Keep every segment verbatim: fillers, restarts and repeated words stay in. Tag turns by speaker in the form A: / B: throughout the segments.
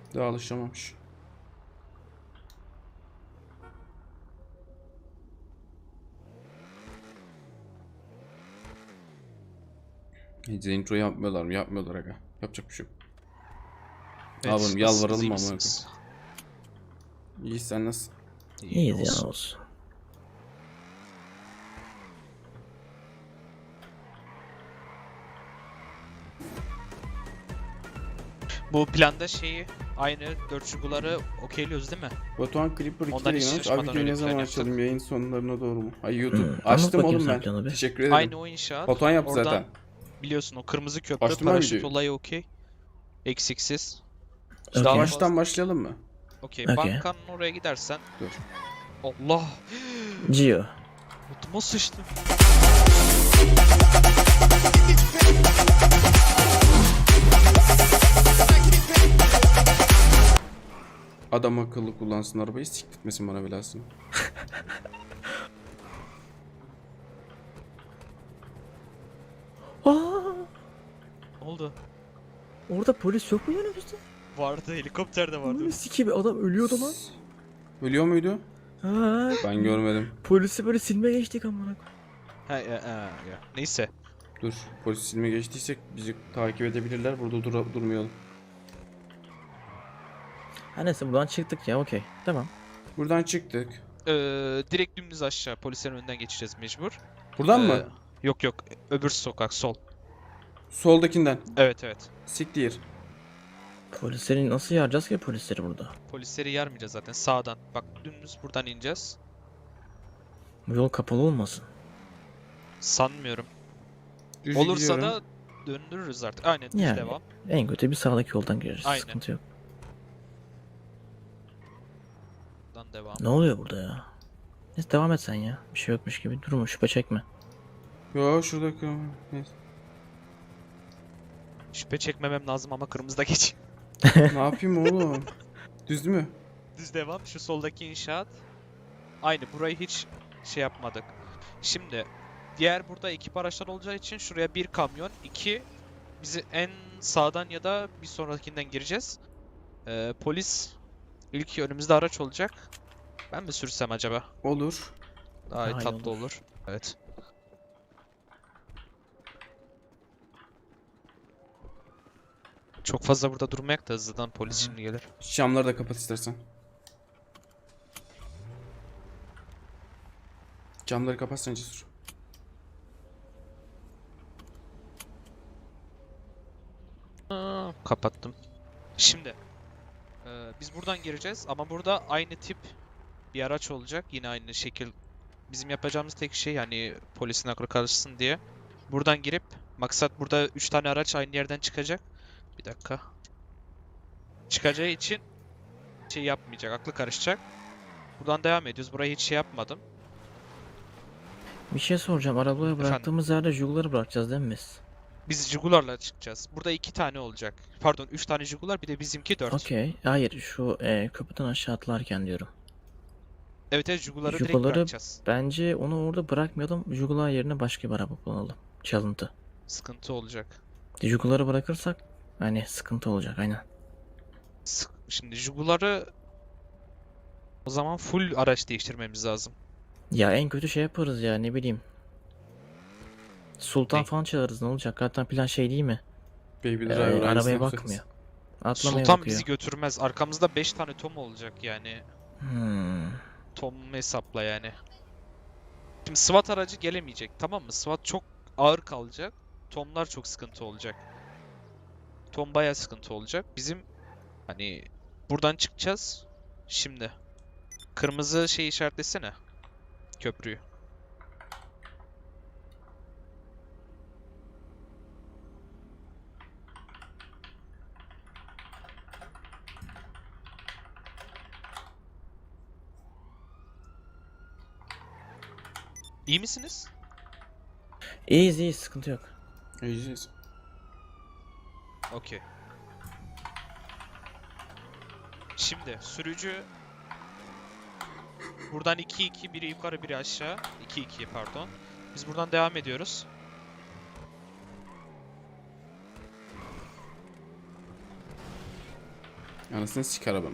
A: Daha alışamamış. Hiç intro yapmıyorlar mı? Yapmıyorlar aga. Yapacak bir şey yok.
B: Evet,
A: Abi
B: nasılsınız,
A: yalvaralım
B: iyi
A: mı amına
B: misiniz?
A: koyayım? İyi, sen nasıl?
B: İyi
C: İyiyiz ya
B: olsun.
C: olsun.
B: Bu planda şeyi aynı dört şuguları okeyliyoruz değil mi?
A: Batuhan Creeper iki
B: Ondan
A: kere
B: hiç
A: inanmış. Abi
B: şaşmadan
A: videoyu
B: öyle
A: ne
B: plan
A: zaman
B: yaptık.
A: açalım? Yayın sonlarına doğru mu? Ay YouTube.
C: Hmm, anlat
A: Açtım
C: bakayım
A: oğlum
C: sen
A: ben.
C: planı bir.
A: Teşekkür ederim.
B: Aynı o inşaat.
A: Batuhan yaptı
B: Oradan
A: zaten.
B: biliyorsun o kırmızı köprü
A: Açtım ben
B: paraşüt
A: videoyu.
B: olayı okey. Eksiksiz.
C: Okey.
B: Daha
A: Baştan
B: fazla.
A: başlayalım mı?
B: Okey,
C: Okey.
B: bankanın oraya gidersen.
A: Dur.
B: Allah.
C: Gio.
B: Altıma sıçtım.
A: Adam akıllı kullansın arabayı, siktirtmesin bana belasını.
C: Aa,
B: Ne oldu?
C: orada polis yok mu yanımızda?
B: Vardı, helikopter de vardı.
C: Bunu sikeyim, adam ölüyordu lan.
A: Ölüyor muydu?
C: Ha,
A: Ben görmedim.
C: polisi böyle silme geçtik amına.
B: Ha, ya, ha, ya. Neyse.
A: Dur. Polis silme geçtiysek bizi takip edebilirler. Burada dur durmayalım.
C: Ha neyse buradan çıktık ya, okey. Tamam.
A: Buradan çıktık.
B: Ee, direkt dümdüz aşağı polislerin önünden geçeceğiz mecbur.
A: Buradan
B: Ee,
A: mı?
B: Yok yok, öbür sokak sol.
A: Soldakinden.
B: Evet evet.
A: Siktir.
C: Polisleri nasıl yaracağız ki polisleri burada?
B: Polisleri yarmayacağız zaten sağdan. Bak dümdüz buradan ineceğiz.
C: Bu yol kapalı olmasın.
B: Sanmıyorum.
A: Düz
B: Olursa
A: gidiyorum.
B: da döndürürüz artık. Aynen düz
C: Yani.
B: devam.
C: En kötü bir sağdaki yoldan gireriz.
B: Aynen.
C: Sıkıntı yok.
B: Buradan devam.
C: Ne oluyor burada ya? Neyse devam et sen ya. Bir şey yokmuş gibi durma, şüphe çekme.
A: Yo şuradaki. Neyse.
B: Şüphe çekmemem lazım ama kırmızıda geç.
A: Ne yapayım oğlum? Düz mü?
B: Düz devam. Şu soldaki inşaat. Aynı burayı hiç şey yapmadık. Şimdi diğer burada ekip araçlar olacağı için şuraya bir kamyon, iki bizi en sağdan ya da bir sonrakinden gireceğiz. Ee, polis ilk önümüzde araç olacak. Ben mi sürsem acaba?
A: Olur.
B: Daha,
C: Daha iyi
B: tatlı
C: olur.
B: olur. Evet. Çok fazla burada durmayak da hızlıdan polis
A: Hı hı.
B: şimdi gelir.
A: Camları da kapat istersen. Camları kapatsan Cesur.
B: Aa, kapattım. Şimdi e, biz buradan gireceğiz ama burada aynı tip bir araç olacak. Yine aynı şekil. Bizim yapacağımız tek şey yani polisin aklı karışsın diye. Buradan girip maksat burada üç tane araç aynı yerden çıkacak. Bir dakika. Çıkacağı için şey yapmayacak, aklı karışacak. Buradan devam ediyoruz. Burayı hiç şey yapmadım.
C: Bir şey soracağım. Arabaya
B: Efendim?
C: bıraktığımız yerde Jugular'ı bırakacağız değil mi biz?
B: Biz Jaguar'la çıkacağız. Burada iki tane olacak. Pardon, üç tane Jaguar, bir de bizimki dört.
C: Okey. Hayır, şu e, köprüden aşağı atlarken diyorum.
B: Evet evet, Jaguar'ı direkt
C: Jugular'ı
B: bırakacağız.
C: bence onu orada bırakmayalım. Jugular yerine başka bir araba kullanalım. Çalıntı.
B: Sıkıntı olacak.
C: Jugular'ı bırakırsak hani sıkıntı olacak aynen.
B: Sık- Şimdi Jaguar'ı o zaman full araç değiştirmemiz lazım.
C: Ya en kötü şey yaparız ya, ne bileyim. Sultan
B: Ne?
C: falan çağırırız, ne olacak? Zaten plan şey değil mi?
A: Baby
C: Ee,
A: Driver aynısını
C: arabaya
A: yapacağız.
C: bakmıyor. Atlamaya
B: Sultan
C: bakıyor.
B: bizi götürmez. Arkamızda beş tane Tom olacak yani.
C: Hmm.
B: Tom hesapla yani. Şimdi SWAT aracı gelemeyecek, tamam mı? SWAT çok ağır kalacak. Tom'lar çok sıkıntı olacak. Tom bayağı sıkıntı olacak. Bizim hani buradan çıkacağız. Şimdi kırmızı şey işaretlesene. Köprüyü. İyi misiniz?
C: İyiyiz iyiyiz, sıkıntı yok.
A: İyiyiz.
B: Okey. Şimdi sürücü buradan iki iki, biri yukarı biri aşağı. iki iki pardon. Biz buradan devam ediyoruz.
A: Anasını sik arabanın.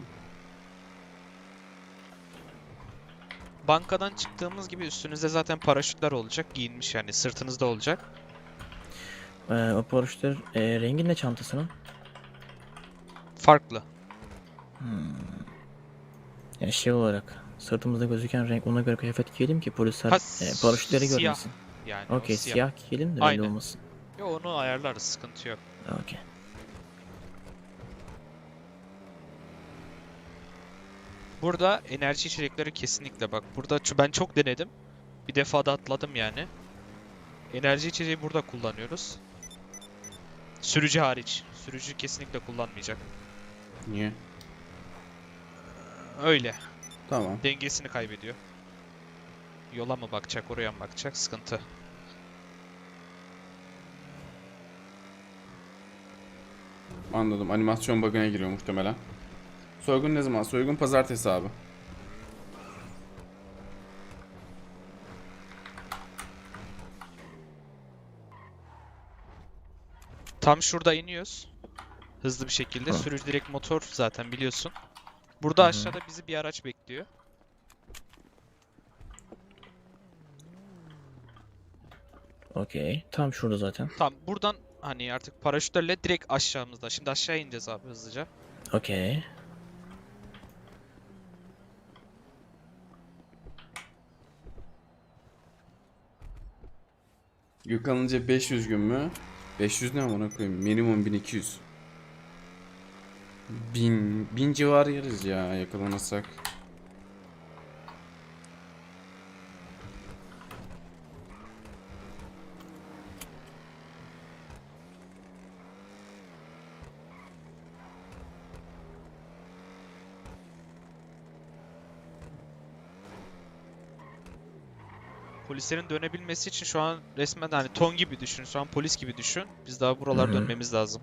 B: Bankadan çıktığımız gibi üstünüzde zaten paraşütler olacak. Giyinmiş yani sırtınızda olacak.
C: Ee, o paraşütler e, rengi ne çantasının?
B: Farklı.
C: Yani şey olarak sırtımızda gözüken renk, ona göre kıyafet giyelim ki polisler
B: Ha,
C: e, paraşütleri
B: siyah.
C: görmesin.
B: Yani o
C: Okey,
B: siyah.
C: siyah giyelim de belli
B: Aynen.
C: olmasın.
B: Yo, onu ayarlarız, sıkıntı yok.
C: Okey.
B: Burada enerji içecekleri kesinlikle bak. Burada ço- ben çok denedim. Bir defa da atladım yani. Enerji içeceği burada kullanıyoruz. Sürücü hariç. Sürücü kesinlikle kullanmayacak.
A: Niye?
B: Öyle.
A: Tamam.
B: Dengesini kaybediyor. Yola mı bakacak, oraya mı bakacak? Sıkıntı.
A: Anladım. Animasyon bug'ına giriyor muhtemelen. Soygun ne zaman? Soygun pazartesi abi.
B: Tam şurada iniyoruz. Hızlı bir şekilde.
C: Hı.
B: Sürücü direkt motor zaten biliyorsun. Burada
C: Hı hı.
B: aşağıda bizi bir araç bekliyor.
C: Okey. Tam şurada zaten.
B: Tamam, buradan hani artık paraşütlerle direkt aşağımızda. Şimdi aşağı ineceğiz abi hızlıca.
C: Okey.
A: Yakalanınca beş yüz gün mü? beş yüz ne amına koyayım? Minimum bin iki yüz. bin, bin civarı yeriz ya yakalanırsak.
B: Polislerin dönebilmesi için şu an resmen hani ton gibi düşün. Şu an polis gibi düşün. Biz daha buralar
C: Hı hı.
B: dönmemiz lazım.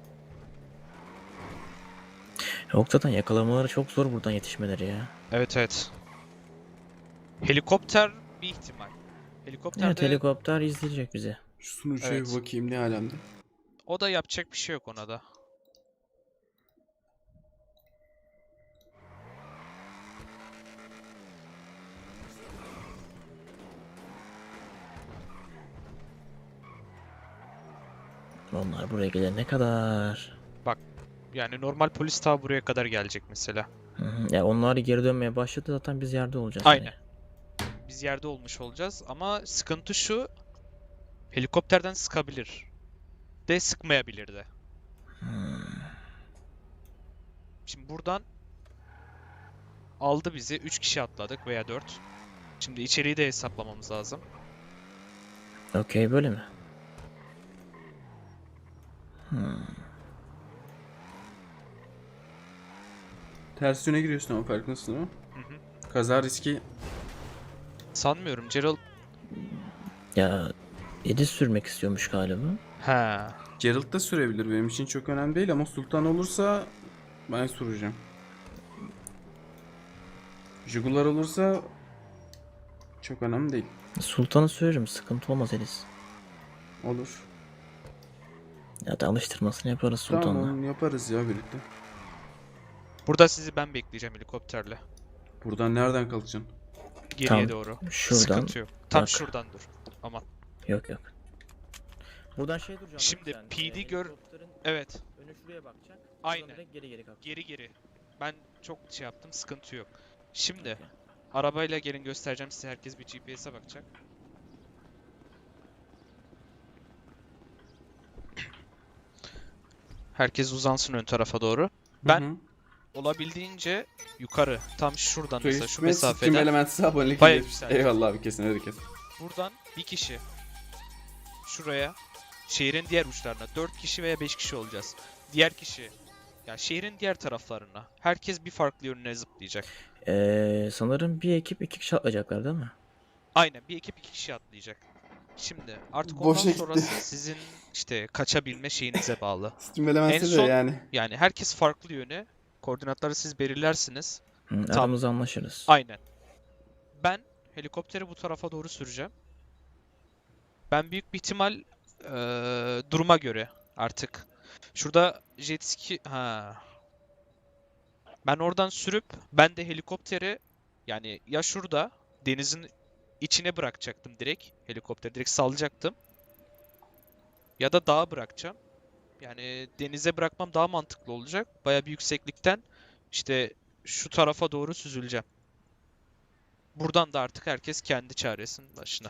C: Yok zaten yakalamaları çok zor buradan yetişmeleri ya.
B: Evet, evet. Helikopter bir ihtimal. Helikopterde
C: Evet, helikopter izleyecek bizi.
A: Şu sunucuya
B: Evet.
A: bir bakayım ne alemde.
B: o da yapacak bir şey yok ona da.
C: Onlar buraya gelene kadar.
B: Yani normal polis ta buraya kadar gelecek mesela.
C: Hı hı. Ya onlar geri dönmeye başladı zaten biz yerde olacağız.
B: Aynen. Biz yerde olmuş olacağız ama sıkıntı şu. Helikopterden sıkabilir. De sıkmayabilir de.
C: Hmm.
B: Şimdi buradan aldı bizi. üç kişi atladık veya dört. Şimdi içeriği de hesaplamamız lazım.
C: Okey, böyle mi? Hmm.
A: Ters yöne giriyorsun ama farkındasın değil mi?
B: Hı hı.
A: Kaza riski
B: Sanmıyorum. Gerald...
C: Ya Edis sürmek istiyormuş galiba.
B: Ha.
A: Geralt da sürebilir, benim için çok önemli değil ama Sultan olursa ben süreceğim. Jugular olursa çok önemli değil.
C: Sultan'ı sürerim, sıkıntı olmaz Edis.
A: Olur.
C: Ya da alıştırmasını yaparız Sultan'la.
A: Tamam, yaparız ya birlikte.
B: Burada sizi ben bekleyeceğim helikopterle.
A: Buradan nereden kalkacaksın?
B: Geriye
C: Tamam.
B: doğru.
C: Şuradan.
B: Sıkıntı yok. Tam
C: bak.
B: şuradan dur. Aman.
C: Yok yok. Buradan şey duracağım.
B: Şimdi
C: sen,
B: P D
C: e,
B: gör-
C: helikopterin
B: Evet.
C: önü şuraya bakacak.
B: Aynen.
C: Sonra direkt geri geri kalkacak.
B: Geri geri. Ben çok şey yaptım. Sıkıntı yok. Şimdi
C: Okey.
B: arabayla gelin göstereceğim size. Herkes bir G P S'e bakacak. Herkes uzansın ön tarafa doğru. Ben
A: Hı hı.
B: olabildiğince yukarı. Tam şuradan mesela şu
A: Twitch ve Steam
B: mesafeden.
A: Elements'e abonelik
B: Bayağı
A: iletmiş.
B: yükseldi.
A: Eyvallah abi, kesin herkes.
B: Buradan bir kişi. Şuraya. Şehrin diğer uçlarına. Dört kişi veya beş kişi olacağız. Diğer kişi. Ya şehrin diğer taraflarına. Herkes bir farklı yönüne zıplayacak.
C: Ee, sanırım bir ekip iki kişi atlayacaklar değil mi?
B: Aynen, bir ekip iki kişi atlayacak. Şimdi artık ondan
A: Boşa gitti.
B: sonrası sizin işte kaçabilme şeyinize bağlı.
A: Steam Elements'e
B: En
A: de
B: son-
A: yani.
B: Yani herkes farklı yöne. Koordinatları siz belirlersiniz.
C: Hı, aramızda anlaşırız.
B: Aynen. Ben helikopteri bu tarafa doğru süreceğim. Ben büyük bir ihtimal eee, duruma göre artık. Şurada jet ski... Ha. Ben oradan sürüp ben de helikopteri yani ya şurada denizin içine bırakacaktım direkt. Helikopteri direkt salacaktım. Ya da dağa bırakacağım. Yani denize bırakmam daha mantıklı olacak. Baya bir yükseklikten işte şu tarafa doğru süzüleceğim. Buradan da artık herkes kendi çaresinin başına.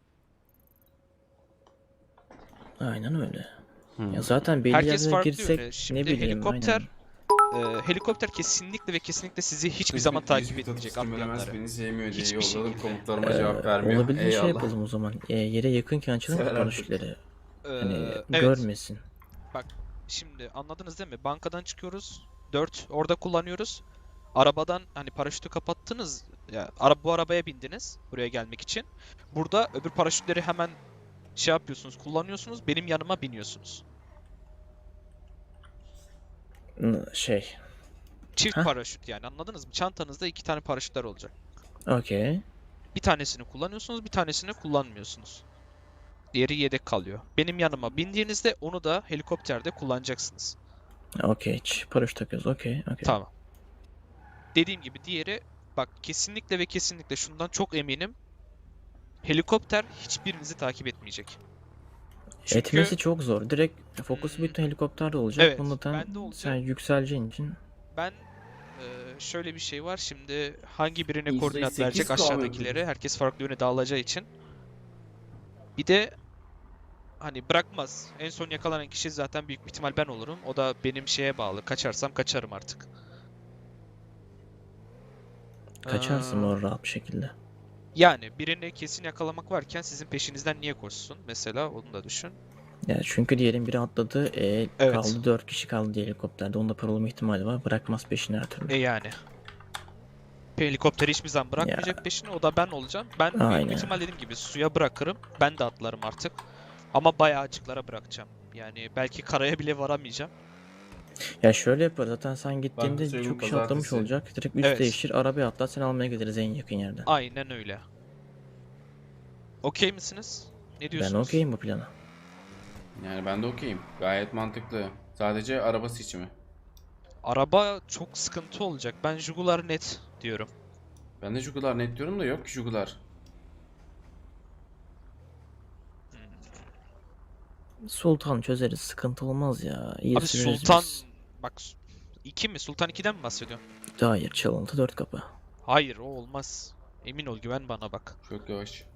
C: Aynen öyle.
A: Hmm.
C: Ya zaten belli
B: Herkes
C: yerlere
B: farklı
C: girsek
B: yöne.
C: ne
B: Şimdi
C: bileyim
B: helikopter
C: aynen.
B: e, helikopter kesinlikle ve kesinlikle sizi hiçbir zaman
A: Hiçbir,
B: takip
A: hiçbir
B: etmeyecek
A: tatlı menemez
B: atlayanları.
A: beni sevmiyor diye
B: Hiçbir
A: yolladım.
B: şekilde.
A: Komutlarıma
C: Ee,
A: cevap vermiyor.
C: olabildiğince şey
A: Eyvallah.
C: yapalım o zaman. Ee, yere yakınken açalım ki
A: Sever artık.
C: paraşütleri.
B: Ee,
C: Hani
B: evet.
C: görmesin.
B: Bak şimdi anladınız değil mi? Bankadan çıkıyoruz. Dört orada kullanıyoruz. Arabadan hani paraşütü kapattınız. Ya ara, bu arabaya bindiniz buraya gelmek için. Burada öbür paraşütleri hemen şey yapıyorsunuz, kullanıyorsunuz. Benim yanıma biniyorsunuz.
C: N- Şey.
B: Çift
C: Ha?
B: paraşüt yani anladınız mı? Çantanızda iki tane paraşütler olacak.
C: Okey.
B: Bir tanesini kullanıyorsunuz, bir tanesini kullanmıyorsunuz. Diğeri yedek kalıyor. Benim yanıma bindiğinizde onu da helikopterde kullanacaksınız.
C: Okey. Ç- Paraşüt takıyoruz. Okey. Okey.
B: Tamam. Dediğim gibi diğeri bak kesinlikle ve kesinlikle şundan çok eminim. Helikopter hiçbirinizi takip etmeyecek. Çünkü
C: Etmesi çok zor. Direkt fokusu
B: hmm,
C: bütün helikopterde olacak.
B: evet
C: Bunda tam
B: bende
C: sen
B: olacak.
C: yükseleceğin için.
B: Ben e, şöyle bir şey var. Şimdi hangi birine
A: yüzde
B: koordinat
A: sekiz
B: verecek
A: kahve
B: aşağıdakileri?
A: yapıyoruz.
B: Herkes farklı yöne dağılacağı için. Bir de hani bırakmaz. En son yakalanan kişi zaten büyük bir ihtimal ben olurum. O da benim şeye bağlı. Kaçarsam kaçarım artık.
C: Kaçarsın
B: Ee,
C: o rahat bir şekilde.
B: yani birini kesin yakalamak varken sizin peşinizden niye koşsun? Mesela onu da düşün.
C: Ya çünkü diyelim biri atladı. E,
B: Evet.
C: kaldı dört kişi kaldı diye helikopterde. Onda paralama ihtimali var. Bırakmaz peşini her türlü.
B: E yani. Helikopteri hiçbir zaman
C: Ya
B: bırakmayacak peşine. O da ben olacağım. Ben büyük bir
C: aynen.
B: ihtimal dediğim gibi suya bırakırım. Ben de atlarım artık. Ama bayağı açıklara bırakacağım. Yani belki karaya bile varamayacağım.
C: Ya şöyle yaparız. Zaten sen
A: Banka
C: gittiğinde
A: soygunu
C: çok kişi atlamış
A: pazartesi.
C: olacak. Direkt üst
B: Evet.
C: değiştir. Arabaya atla. Seni almaya geliriz en yakın yerden.
B: Aynen öyle. Okey misiniz? Ne
C: Ben
B: diyorsunuz?
C: okeyim bu plana.
A: Yani ben de okeyim. Gayet mantıklı. Sadece araba seçimi.
B: Araba çok sıkıntı olacak. Ben Jugular net diyorum.
A: Ben de Jugular net diyorum da yok ki Jugular.
B: Hmm.
C: Sultan çözeriz. Sıkıntı olmaz ya. İyi
B: Abi
C: süreriz
B: Sultan
C: biz.
B: bak iki mi? Sultan ikiden mi bahsediyorsun?
C: Hayır. Çalıntı dört kapı.
B: Hayır o olmaz. Emin ol güven bana bak.
A: Çok yavaş.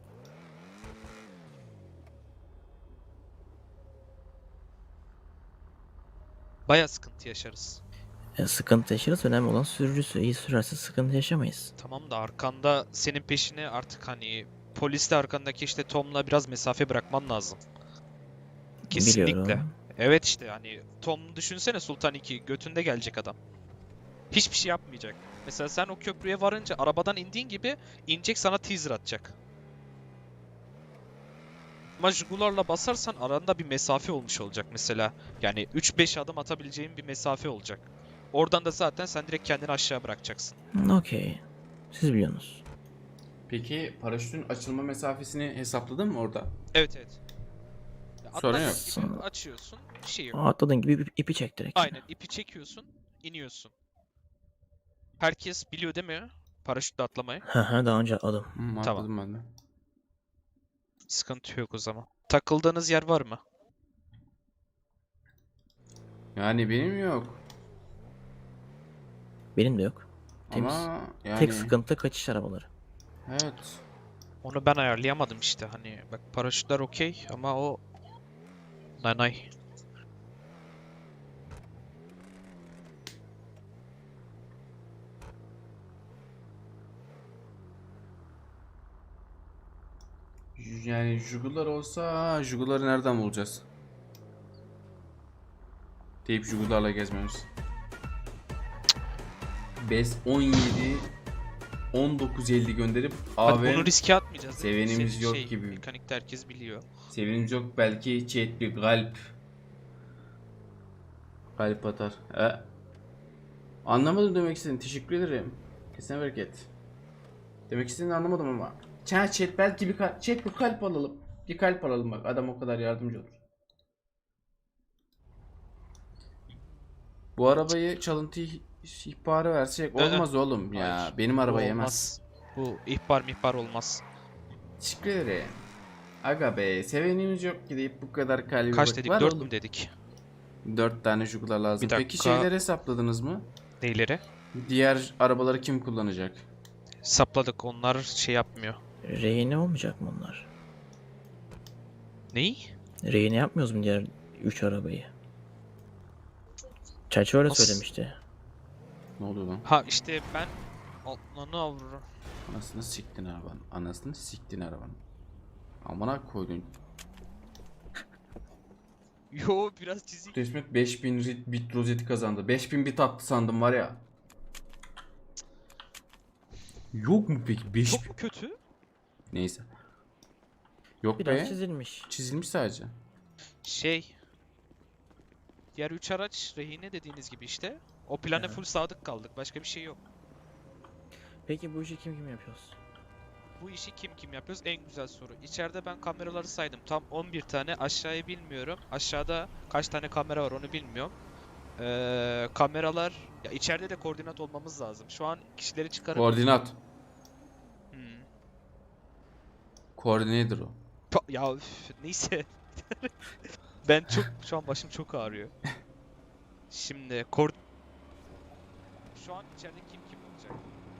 B: Baya sıkıntı yaşarız.
C: Ya sıkıntı yaşarız. Önemli olan sürücüsü. İyi sürerse sıkıntı yaşamayız.
B: Tamam da arkanda senin peşine artık hani polisle arkandaki işte Tom'la biraz mesafe bırakman lazım. Kesinlikle.
C: Biliyorum.
B: Evet işte hani Tom düşünsene Sultan iki götünde gelecek adam. Hiçbir şey yapmayacak. Mesela sen o köprüye varınca arabadan indiğin gibi inecek sana teaser atacak. Ama Jugular'la basarsan aranda bir mesafe olmuş olacak mesela. Yani üç beş adım atabileceğin bir mesafe olacak. Oradan da zaten sen direkt kendini aşağı bırakacaksın.
C: Hı, okey. Siz biliyorsunuz.
A: Peki paraşütün açılma mesafesini hesapladın mı orada?
B: Evet evet. Ya
A: Sorun
B: atladığın
A: yok.
B: gibi
C: Sonra-
B: açıyorsun. Bir şey yok.
C: Atladığın gibi ipi- ipi çek direkt.
B: Aynen ipi çekiyorsun, iniyorsun. Herkes biliyor değil mi? Paraşütle atlamayı.
C: Hı hı, daha önce atladım.
A: Hmm,
B: Tamam.
A: atladım ben de.
B: Sıkıntı yok o zaman. Takıldığınız yer var mı?
A: Yani benim yok.
C: Benim de yok. Temiz.
A: Ama
C: Tek
A: yani
C: sıkıntı kaçış arabaları.
A: evet.
B: Onu ben ayarlayamadım işte. Hani bak paraşütler okey ama o nanay.
A: Yani Jugular olsa Jugular'ı nereden bulacağız? Deyip Jugular'la gezmemiz. beş on yedi on dokuz elli gönderip
B: Hadi
A: abi
B: bunu riske atmayacağız değil mi?
A: sevenimiz
B: Senin
A: yok
B: şey,
A: gibi.
B: Mekanikte herkes biliyor.
A: Sevinimiz yok belki chat bir kalp kalp atar. He? Anlamadım demek istediğini. Teşekkür ederim. Kesene bereket. Demek istediğini anlamadım ama. Chat chat belki bir kalp, chat bir kalp alalım. Bir kalp alalım bak. Adam o kadar yardımcı olur. Bu arabayı çalıntı ihbarı versek
B: Ee,
A: olmaz oğlum ya.
B: hayır,
A: Benim
B: bu
A: araba yemez.
B: olmaz. Bu ihbar mihbar olmaz.
A: Teşekkür ederim. Aga be sevenimiz yok ki deyip bu kadar kalbi
B: Kaç
A: bak-
B: dedik?
A: var
B: Dört
A: oğlum.
B: mü dedik?
A: Dört tane juglar lazım.
B: Bir
A: Peki
B: dakika.
A: şeyleri hesapladınız mı?
B: Neyleri?
A: Diğer arabaları kim kullanacak?
B: Sapladık. Onlar şey yapmıyor.
C: Rehine olmayacak mı onlar?
B: Neyi?
C: Rehine yapmıyoruz mu diğer üç arabayı? Çerçeve öyle
B: Nasıl?
C: söylemişti.
A: Ne oluyor lan?
B: Ha işte ben Allah'ını avru.
A: Anasını siktin arabanın. Anasını siktin arabanın. Amına koydun.
B: Yo biraz çizik.
A: Resmet beş bin rit- bit rozeti kazandı. beş bin bit attı sandım var ya. Yok mu peki? beş
B: Çok
A: bin.
B: mu kötü?
A: Neyse. Yok
C: Biraz
A: be.
C: çizilmiş.
A: Çizilmiş sadece.
B: Şey. Diğer üç araç rehine dediğiniz gibi işte. O plana
C: Evet.
B: full sadık kaldık. Başka bir şey yok.
C: Peki bu işi kim kim yapıyoruz?
B: Bu işi kim kim yapıyoruz? En güzel soru. İçeride ben kameraları saydım. Tam on bir tane. Aşağıyı bilmiyorum. Aşağıda kaç tane kamera var onu bilmiyorum. Ee, kameralar... Ya içeride de koordinat olmamız lazım. Şu an kişileri çıkarıp...
A: Koordinat.
B: Hmm.
A: Koordinator o.
B: Pa- Ya üf, neyse. Ben çok... Şu an başım çok ağrıyor. Şimdi kor... Şu an içeride kim kim olacak?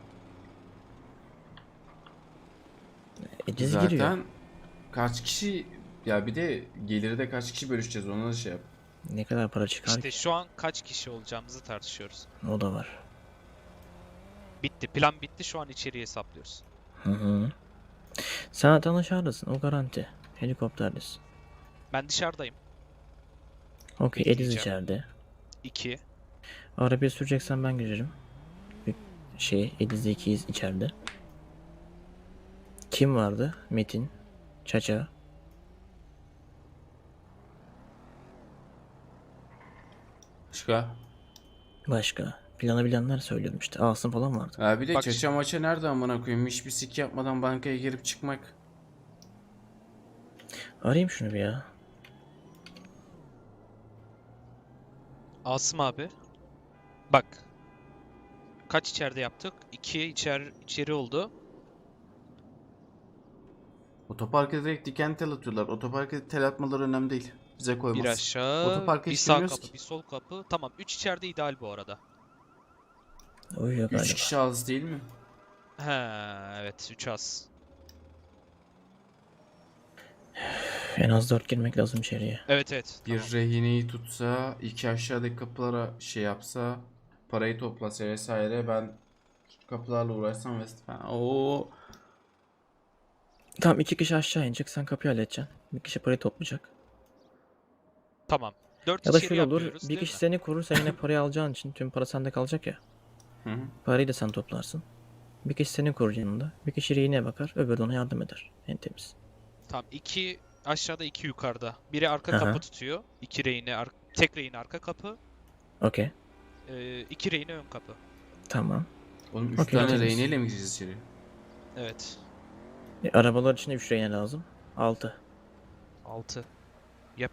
C: Ediz
A: Zaten
C: giriyor.
A: kaç kişi ya bir de geliri de kaç kişi bölüşeceğiz ona da şey yap.
C: Ne kadar para çıkar
B: İşte şu an kaç kişi olacağımızı tartışıyoruz.
C: ki? O da var.
B: Bitti. Plan bitti. Şu an içeriği hesaplıyoruz.
C: Hı hı. Sen tanışardısın o garanti. Helikopterdesin.
B: Ben dışarıdayım.
C: Okey Ediz
B: Bekleyeceğim.
C: içeride.
B: iki.
C: Arabayı süreceksen ben girerim. Bir şey Ediz'le ikiyiz içeride. Kim vardı? Metin. Çaça.
A: Başka.
C: Başka. Planı bilenler söylüyorum işte. Asım falan vardı.
A: Ya bir de
B: Bak
A: çaça maça nerede amına koyayım? Hiçbir sik yapmadan bankaya girip çıkmak.
C: Arayayım şunu bir ya.
B: Asım abi. Bak. Kaç içeride yaptık? iki içer içeri oldu.
A: Otoparka direkt diken tel atıyorlar. Otoparka tel atmaları önemli değil. Bize koymaz.
B: Bir aşağı,
A: Otoparka
B: bir
A: hiç
B: sağ
A: girmiyoruz
B: kapı,
A: ki.
B: bir sol kapı. Tamam, üç içeride ideal bu arada.
C: Uyuyor
A: Üç
C: galiba.
A: kişi az değil mi?
B: He, evet, üç az.
C: En az dört girmek lazım içeriye.
B: Evet evet.
A: Bir
B: Tamam.
A: rehineyi tutsa, iki aşağıdaki kapılara şey yapsa, parayı toplasa vesaire ben kapılarla uğraşsam vesaire. Oo.
C: Tamam iki kişi aşağı inecek. Sen kapıyı halledeceksin. Bir kişi parayı toplayacak.
B: Tamam. dört
C: Ya da
B: içeri
C: şöyle olur.
B: yapıyoruz,
C: Bir
B: değil
C: kişi
B: mi?
C: seni korur. Sen yine parayı alacağın için tüm para sende kalacak ya.
A: Hı hı.
C: Parayı da sen toplarsın. Bir kişi seni korur yanında. Bir kişi rehineye bakar. Öbürü de ona yardım eder. En temiz.
B: Tamam, iki aşağıda, iki yukarıda. Biri arka
C: Aha.
B: kapı tutuyor. İki rehine, ar- tek rehine arka kapı.
C: Okey.
B: Ee, iki rehine ön kapı.
C: Tamam.
A: Oğlum üç
C: Okey,
A: tane
C: temiz.
A: rehineyle mi gireceğiz içeri?
B: Evet.
C: E, arabalar için de üç rehine lazım. altı.
B: altı. Yap.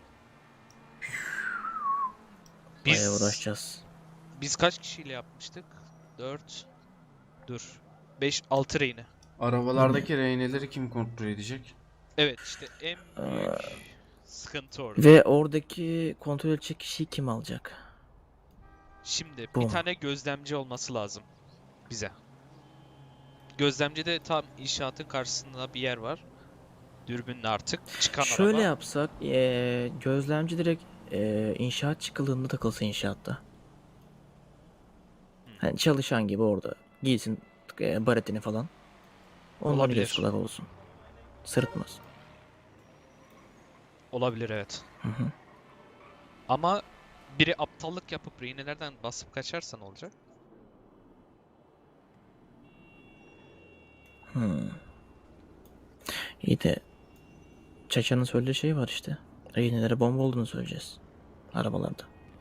C: Bayağı
B: Biz
C: uğraşacağız.
B: biz kaç kişiyle yapmıştık? dört. Dur. beş, altı rehine.
A: Arabalardaki rehineleri kim kontrol edecek?
B: Evet, işte en büyük
C: Aa.
B: sıkıntı orada.
C: Ve oradaki kontrol edecek kişiyi kim alacak?
B: Şimdi
C: Bu.
B: bir tane gözlemci olması lazım bize. Gözlemci de tam inşaatın karşısında bir yer var. Dürbünle artık çıkan
C: Şöyle
B: araba.
C: yapsak. E, gözlemci direkt e, inşaat çıkılığında takılsa inşaatta. Hani çalışan gibi orada. Giysin e, baretini falan. Ondan
B: Olabilir.
C: göz kulak olsun. Sırıtmaz.
B: Olabilir, evet.
C: Hı hı.
B: Ama biri aptallık yapıp rehinelerden basıp kaçarsa ne olacak?
C: Hmm. İyi de Çaça'nın söylediği şey var işte. Rehinelere bomba olduğunu söyleyeceğiz. Arabalarda.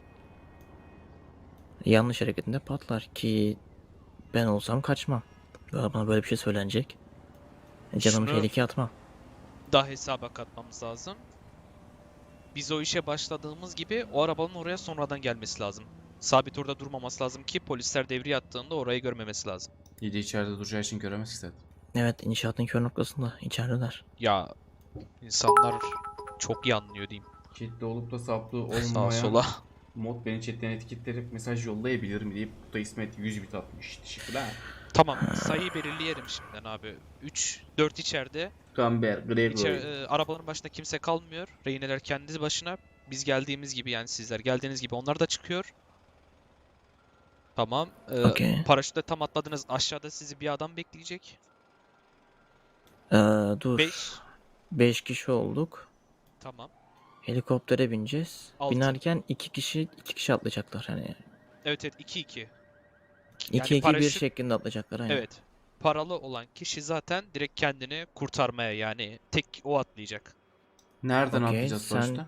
C: Yanlış hareketinde patlar ki ben olsam kaçmam. Ya bana böyle bir şey söylenecek. E, Canımı
B: Şunu-
C: tehlikeye atmam.
B: Daha hesaba katmamız lazım. Biz o işe başladığımız gibi o arabanın oraya sonradan gelmesi lazım. sabit orada durmaması lazım ki polisler devriye attığında orayı görmemesi lazım.
A: İyi de içeride duracağı için göremez ki zaten.
C: Evet, inşaatın kör noktasında içerideler.
B: Ya insanlar çok iyi anlıyor diyeyim.
A: Chatte olup da saplı
B: Sağa
A: olmayan
B: sola.
A: mod beni chatten etiketleyip mesaj yollayabilirim deyip bu da İsmet yüz bit atmış. Teşekkürler.
B: Tamam, sayıyı belirleyelim şimdiden abi. üç, dört içeride.
A: Gamber, Gregory.
B: İçer, e, arabaların başında kimse kalmıyor. Rehineler kendi başına. Biz geldiğimiz gibi, yani sizler geldiğiniz gibi onlar da çıkıyor. Tamam. E,
C: Okey.
B: Paraşütle tam atladınız. Aşağıda sizi bir adam bekleyecek.
C: Ee, dur.
B: beş.
C: beş kişi olduk.
B: Tamam.
C: Helikoptere bineceğiz.
B: Altı.
C: Binerken iki kişi iki kişi atlayacaklar hani.
B: Evet evet, iki iki.
C: iki
B: Yani
C: iki bir
B: paraşüt-
C: şeklinde atlayacaklar aynen.
B: Evet. Paralı olan kişi zaten direkt kendini kurtarmaya, yani tek o atlayacak.
A: Nereden
C: Okey,
A: atlayacağız
C: sen-
A: sonuçta?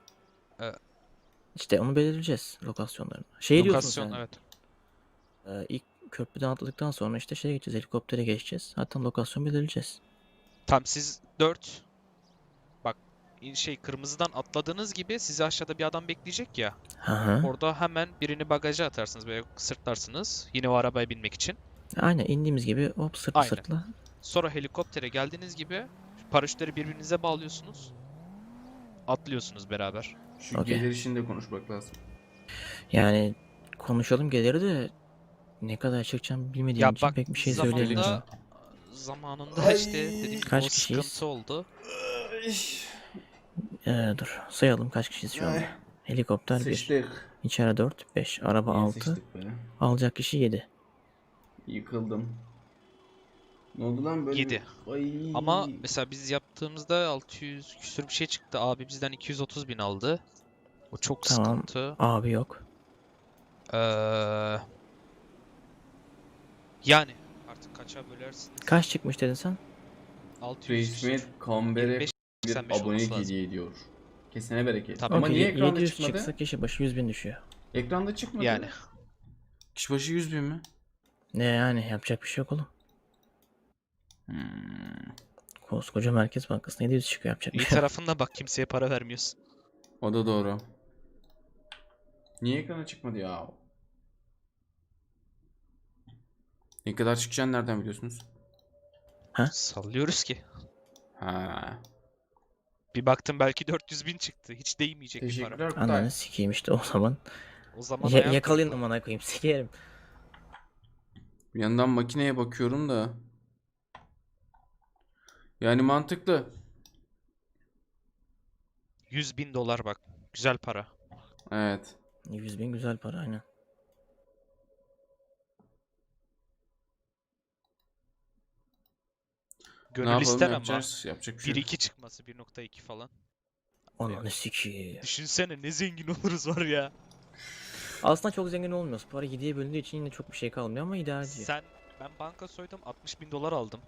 C: İşte onu belirleyeceğiz lokasyonlarını. Şey diyorsun
B: Lokasyon,
C: sen.
B: evet.
C: e, ilk köprüden atladıktan sonra işte şeye geçeceğiz. Helikoptere geçeceğiz. Zaten lokasyon belirleyeceğiz.
B: Tam siz dört. Bak, in- şey kırmızıdan atladığınız gibi sizi aşağıda bir adam bekleyecek ya.
C: Hı hı.
B: Orada hemen birini bagaja atarsınız, böyle sırtlarsınız. Yine o arabaya binmek için.
C: Aynen indiğimiz gibi hop sırtla
B: Aynen.
C: sırtla.
B: Sonra helikoptere geldiğiniz gibi paraşütleri birbirinize bağlıyorsunuz. Atlıyorsunuz beraber.
A: Şu
C: Okey.
A: gelir işini de konuşmak lazım.
C: Yani konuşalım geliri de ne kadar çıkacağım bilmediğim
B: Ya
C: için
B: bak,
C: pek bir şey
B: zamanında
C: söyleyemeyeceğim.
B: zamanında
A: Ay.
B: işte dediğim gibi
C: Kaç
B: o
C: kişiyiz?
B: sıkıntı oldu.
C: Ee, dur sayalım kaç kişiyiz şu anda.
A: Ay.
C: Helikopter bir,
A: Sıçtık.
C: içeri dört, beş, araba
A: Niye
C: altı,
A: sıçtık be?
C: alacak kişi yedi.
A: Yıkıldım. Ne oldu lan böyle?
B: Yedi.
A: bir- Ay.
B: Ama mesela biz yaptığımızda altı yüz küsür bir şey çıktı. Abi bizden iki yüz otuz bin aldı. O çok
C: Tamam.
B: sıkıntı.
C: Abi yok.
B: Ee, yani artık kaça bölersiniz?
C: Kaç çıkmış dedin sen?
B: altı yüz küsür.
A: Resmet Kamber'e
B: yirmi beş,
A: bir
B: seksen beş
A: abonelik
B: olması lazım.
A: hediye ediyor. Kesene bereket.
B: Tabii.
A: Ama
C: Okey,
A: niye
C: ye-
A: ekranda
C: yedi yüz
A: çıkmadı?
C: çıksa kişi başı yüz bin düşüyor.
A: Ekranda çıkmadı.
B: Yani.
A: Kişi başı yüz bin mi?
C: Ne yani yapacak bir şey yok oğlum.
A: Hmm.
C: Koskoca Merkez Bankası'na yedi yüz çıkıyor yapacak bir
B: İyi
C: şey yok.
B: tarafında bak, kimseye para vermiyorsun.
A: O da doğru. Niye ekrana çıkmadı ya? Ne kadar çıkacağını nereden biliyorsunuz?
B: Sallıyoruz ki.
A: Ha.
B: Bir baktım belki dört yüz bin çıktı. Hiç değmeyecek bir para.
A: Teşekkürler Kutay.
C: Ananı sikeyim işte o zaman.
B: O zaman
C: Ya,
B: hayal
C: yakalayın
B: kırıklığı.
C: amına koyayım sikerim.
A: Bir yandan makineye bakıyorum da. Yani mantıklı.
B: yüz bin dolar bak. Güzel para.
A: Evet.
C: yüz bin güzel para aynen.
A: Ne
B: Gönül
A: yapalım
B: ister ama
A: yapacağız? Yapacak bir şey
B: bir
A: yok.
B: iki çıkması, bir nokta iki falan.
C: Ananı sikeyim.
B: Düşünsene ne zengin oluruz var ya.
C: Aslında çok zengin olmuyoruz. Para yediye bölündüğü için yine çok bir şey kalmıyor ama idare ediyor.
B: Sen, ben banka soydum, altmış bin dolar aldım.